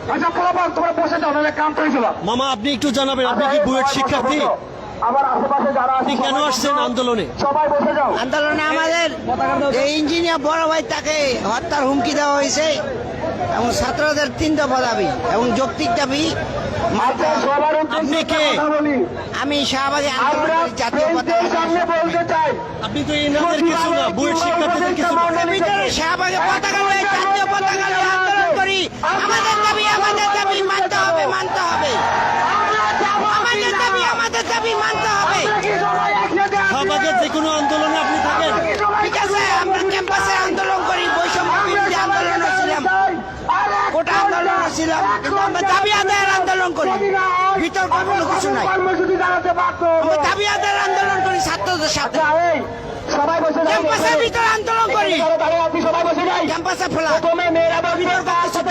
আচ্ছা পোলাপান তোমরা বসে যাও, নাহলে কাম করে ফেলা। মামা আপনি একটু জানাবেন, আপনি কি বুয়েট শিক্ষার্থী? আবার আশেপাশে যারা আপনি কেন আসছেন আন্দোলনে? সবাই বসে যাও। আন্দোলনে আমাদের যে ইঞ্জিনিয়ার বড় ভাই তাকে হত্যার হুমকি দেওয়া হয়েছে এবং ছাত্রদের 3 দফা দাবি এবং যৌক্তিক দাবি মানতে হবে। সবার উদ্দেশ্যে আপনি কে? কথা বলি। আমি শাহবাগী আমরা আন্দোলনের জাতীয় বেঞ্চের সামনে বলতে চাই, আপনি তো এনাদের কিছু না, বুয়েট শিক্ষার্থীদের কিছু না। ভিতরে শাহবাগে পতাকা লয়ে জাতীয় পতাকা লয়ে আন্দোলন করি। আমাদের দাবি মানতে হবে, মানতে হবে। আমাদের দাবি মানতে হবে। শাহবাগের যে কোনো আন্দোলনে আপনি থাকেন? ঠিক আছে, আমরা ক্যাম্পাসে আন্দোলন করি, বৈষম্য বিরোধী আন্দোলন ছিলাম, কোটা আন্দোলন ছিলাম, কিন্তু আমরা দাবি আদায়ের আন্দোলন করি, বিতর্ক কোনো কিছু নাই। কর্মসূচি জানাতে পারতো। আমরা দাবি আদায়ের আন্দোলন করি ছাত্রদের সাথে, এই, সবাই বসে যাও। ক্যাম্পাসের ভিতরে আন্দোলন করি, আপনি সবাই বসে যাই। ক্যাম্পাসে ফেলা প্রথমে মেয়েরা বসবে, বিতর্ক কিছু